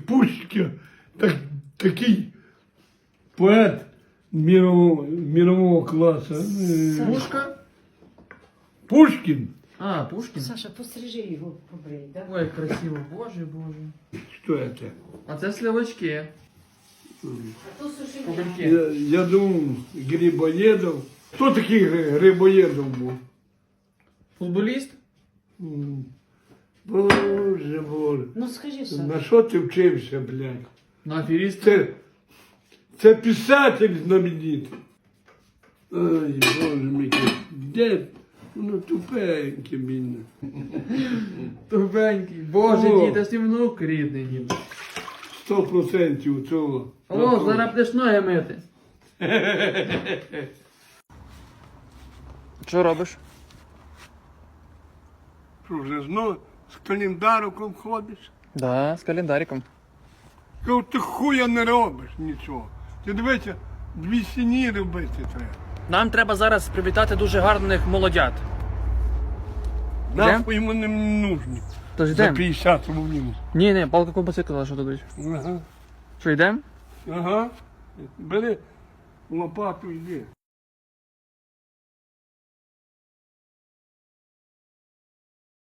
Пушкін, такий поет мирового класу. Пушка? Пушкін. А, Пушкин? Саша, пострижи його побрий, да? Ой, красиво, боже, боже. Що це? А це сливочки. А то суши. Кубельки. Я думав, Грибоєдов. Хто такий Грибоєдов був? Футболіст? Боже, боже. Ну скажи, Саша. На що ти вчився, блядь? На аферист? Це писатель знаменитий. Ай, боже мій, дед, воно тупеньке, бідне. Тупенький. Боже, О. дід, а ти внук рідний, дід. 100% цього. О, зараз будеш ноги мити. Що робиш? Що вже знову з календариком ходиш? Да, з календариком. Кажу, ти хуя не робиш нічого. Ти дивися, 2 сіні робити треба. Нам треба зараз привітати дуже гарних молодят. Нахуй вони мені нужні. Тож За йдемо? 50 рублів. Ні, палка ковбаси казала, що дадуть. Ага. Що, йдемо? Ага. Бери лопату, йди.